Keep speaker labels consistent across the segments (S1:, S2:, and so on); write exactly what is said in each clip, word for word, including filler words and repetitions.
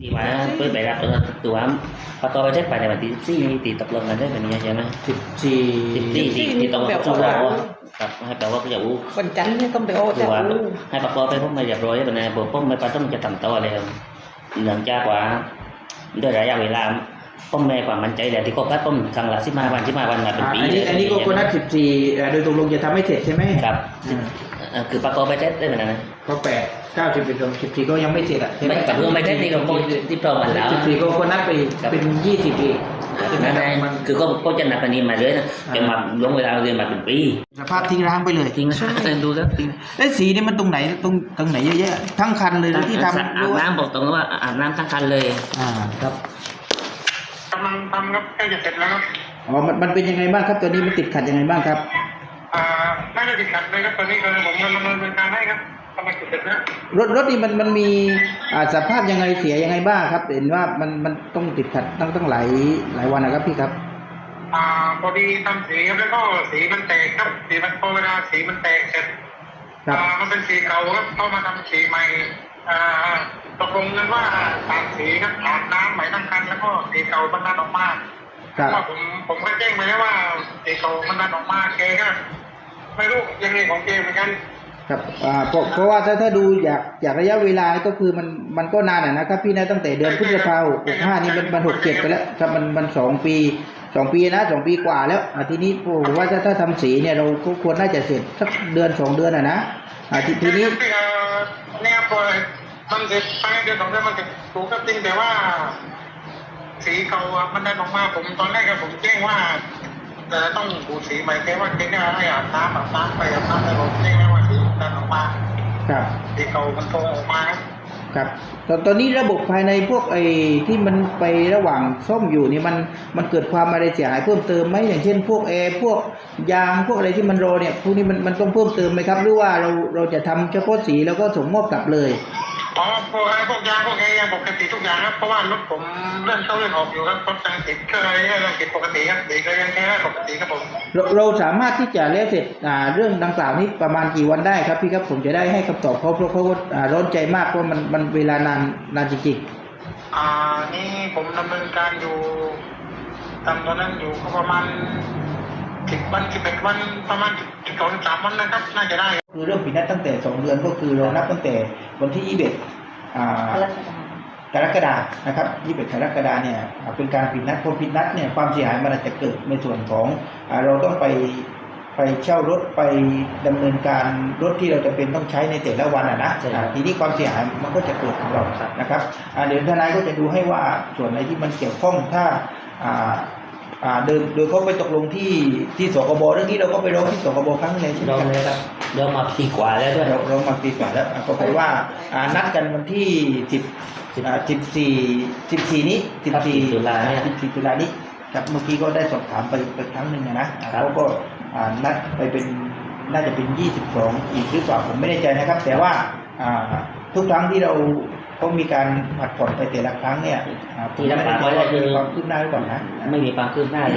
S1: ที่ว่าเปิดไปรับตัวประกอบไปเช็คไปในวันที่สี่ตีตกลงกันได้แบบนี้ใช่ไหม
S2: สิบสี่
S1: สิบสี่ที่ที่ต้องต้องรอครับให้แปลว่าจะอู้
S3: วันจันทร์นี่ต้องไปโอ้จะอู้
S1: ให้ประกอบไปพวกมาเรียบร้อยแบบนี้บอกพวกไม่ปต้องจะทำต่อเลยหลังจากว่าด้วยระยะเวลาป้อมแม่ความมั่นใจแหละที่ก็พัดป้อมครั้งละสิบห้าวันสิบห้าวันมาเป็นปี
S2: อันนี้อันนี้ก็คนนัดสิบสี่โดยตกลงจะทำให้เสร็จใช่ไหม
S1: ครับคือประกอบไปเช็คได้เหมือนกันนะ
S2: ก็แปดเก้าสิบเอ็ดสิบสี่ก็ยังไม่เสร็จอ่ะใช่ไหม
S1: กับเรื่องไม่ได้นี่ก็ที่พร้อมกันแล้ว
S2: สิบสี่ก็คนนัดไปเป็นยี่สิบปี
S1: นั่นเองคือก็ก็จะนับอันนี้มาเลยนะจะมาลงเวลาเรียนมาเป็นปี
S2: สภาพทิ้งร้างไปเลย
S1: ทิ้งร้างดูแล้วทิ้ง
S2: ไอ้สีนี่มันตรงไหนตรงตรงไหนเยอะแยะทั้งคันเลยที่ทำ
S1: อาบน้ำบอกตรงว่าอาบน้ำทั้งคันเลย
S2: อ่าครับ
S4: กำลังทำครับใกล้จะเสร็จแล้วครับ
S2: อ๋อมันมันเป็นยังไงบ้างครับตัวนี้มันติดขัดยังไงบ้างครับ
S4: อ่าไม่ได้ติดขัดเลยครับตอนนี้คือผมกำลังดำเนินการให้ครับกำลังเสร็จแล้ว
S2: รถรถนี่มันมันมีอ่าสภาพยังไงเสียยังไงบ้างครับเห็นว่ามันมันต้องติดขัดตั้งตั้งหลายหลายวันนะครับพี่ครับ
S4: อ่าพอดีทำสีครับแล้วก็สีมันแตกครับสีมันพอเวลาสีมันแตกเสร็จอ่ามันเป็นสีเก่าครับเข้ามาทำสีใหม่อ่าตกลงกันว่าตามสีครับอาบน้ำใหม่ทั้งคันแล้วก็สีเก่ามันดันออกมาเพราะว่าผมผมก็แจ้งไปแล้วว่าสีเก่ามันดันออกมาแกก็ไม่รู้ยังไงของแกเหมือนกัน
S2: ครับอ่าเพราะเพราะว่าถ้าถ้าดูอยากอยากระยะเวลาก็คือมันมันก็นานนะครับพี่นะตั้งแต่เดือนพฤษภาคมหกห้านี่มันมันหกเจ็ดไปแล้วครับมันมันสองปีสองปีนะสองปีกว่าแล้วอ่าทีนี้ผมว่าถ้าถ้าทำสีเนี่ยเราก็ควรน่าจะเสร็จสักเดือนสองเดือนอ่ะนะอ่าทีทีนี้
S4: เนี่ยพอมันเสร็จภายในเดือนสองเดือนมันจะถูกก็จริงแต่ว่าสีเก่ามันได้ออกมาผมตอนแรกผมแจ้งว่าจะต้องปูสีใหม่แค่ว่าแค่ให้อาบน้ำอาบน้ำไปอาบน้ำไปผมแจ้งแล้วว่าสีดันออกมา
S2: ครับ
S4: สีเก่ามันโตออกมา
S2: ครับตอนตอนนี้ระบบภายในพวกไอ้ที่มันไประหว่างซ่อมอยู่นี่มันมันเกิดความอะไรเสียหายเพิ่มเติมไหมอย่างเช่นพวกแอร์พวกยางพวกอะไรที่มันรอเนี่ยพวกนี้มันมันต้องเพิ่มเติมไหมครับหรือว่าเราเราจะทำเฉพาะสีแล้วก็ส่งมอบกลับเลย
S4: อ๋อพวกพวกยางพวกแอร์ยังปกติทุกอย่างครับเพราะว่ารถผมเลื่อนเข้าเลื่อนออกอยู่ครับรถยังติดเครื่องอะไรยังติดปกติครับติดก็ยังแค่ปกติครับผม
S2: เราเราสามารถที่จะแล้วเสร็จอ่าเรื่องดังกล่าวนี้ประมาณกี่วันได้ครับพี่ครับผมจะได้ให้คำตอบเขาเพราะเขาอ่าร้อนใจมากเพราะมันมันเวลานานนานจริง
S4: ๆอ่านี่ผมดำเนินการอยู่ทำตอนนั้นอยู่ก็ประมาณสิบวันสิบเอ็ดวันประมาณสิบสองสามวันนะครับน่าจะได้
S2: คือเรื่องผิดนัดตั้งแต่สองเดือนก็คือเรานับตั้งแต่วันที่ยี่สิบเอ็ดกรกฎาคมนะครับยี่สิบเอ็ดกรกฎาคมเนี่ยเป็นการผิดนัดพอผิดนัดเนี่ยความเสียหายมันอาจจะเกิดในส่วนของเราต้องไปไปเช่ารถไปดำเนินการรถที่เราจะเป็นต้องใช้ในแต่ละวันอ่ะนะทีนี้ความเสียหายมันก็จะเกิดกับเรานะครับเดี๋ยวทนายก็จะดูให้ว่าส่วนไหนที่มันเกี่ยวข้องถ้าโดยโดยเขาไปตกลงที่ที่สคบเรื่องนี้เราก็ไปร้องที่สคบครั้งนึงใช่ไหม
S1: ครับเรามาปีกว่าแล้วด้วย
S2: เรามาปีกว่าแล้วก็ไปว่านัดกันวันที่สิบสิบสี่สิบสี่นี้สิบสี่
S1: ตุลาเนี่ย
S2: สิบสี่ตุลานี้ครับเมื่อกี้ก็ได้สอบถามไปไปครั้งหนึ่งนะเขาก็นัดไปเป็นน่าจะเป็นยี่สิบสองอีกหรือเปล่าผมไม่แน่ใจนะครับแต่ว่าทุกครั้งที่เราต้องมีการผัดผ่อนไปแต่ละครั้งเนี่ย
S1: ที่รับปากไว้ก็คือ
S2: ความคืบหน้าหรือเปล่านะ
S1: ไม่มีความคืบหน้า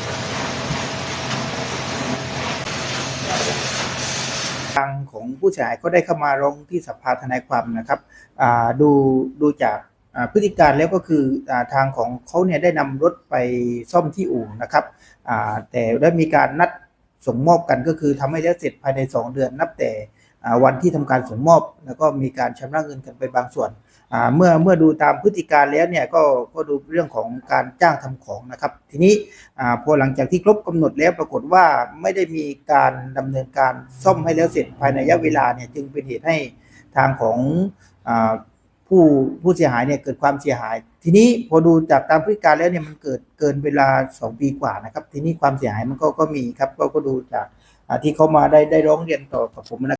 S2: ทางของผู้เสียหายก็ได้เข้ามาร้องที่สภาทนายความนะครับดูดูจากพฤติการแล้วก็คือทางของเขาเนี่ยได้นำรถไปซ่อมที่อู่นะครับแต่ได้มีการนัดส่งมอบกันก็คือทำให้แล้วเสร็จภายในสองเดือนนับแต่วันที่ทำการส่งมอบแล้วก็มีการชำระเงินกันไปบางส่วนเมื่อเมื่อดูตามพฤติการแล้วเนี่ยก็ก็ดูเรื่องของการจ้างทำของนะครับทีนี้พอหลังจากที่ครบกำหนดแล้วปรากฏว่าไม่ได้มีการดำเนินการซ่อมให้แล้วเสร็จภายในระยะเวลาเนี่ยจึงเป็นเหตุให้ทางของผู้ผู้เสียหายเนี่ยเกิดความเสียหายทีนี้พอดูจากตามพฤติการแล้วเนี่ยมันเกิดเกินเวลาสองปีกว่านะครับทีนี้ความเสียหายมันก็ก็มีครับก็ก็ดูจากที่เขามาได้ได้ร้องเรียนต่อกับผมนะ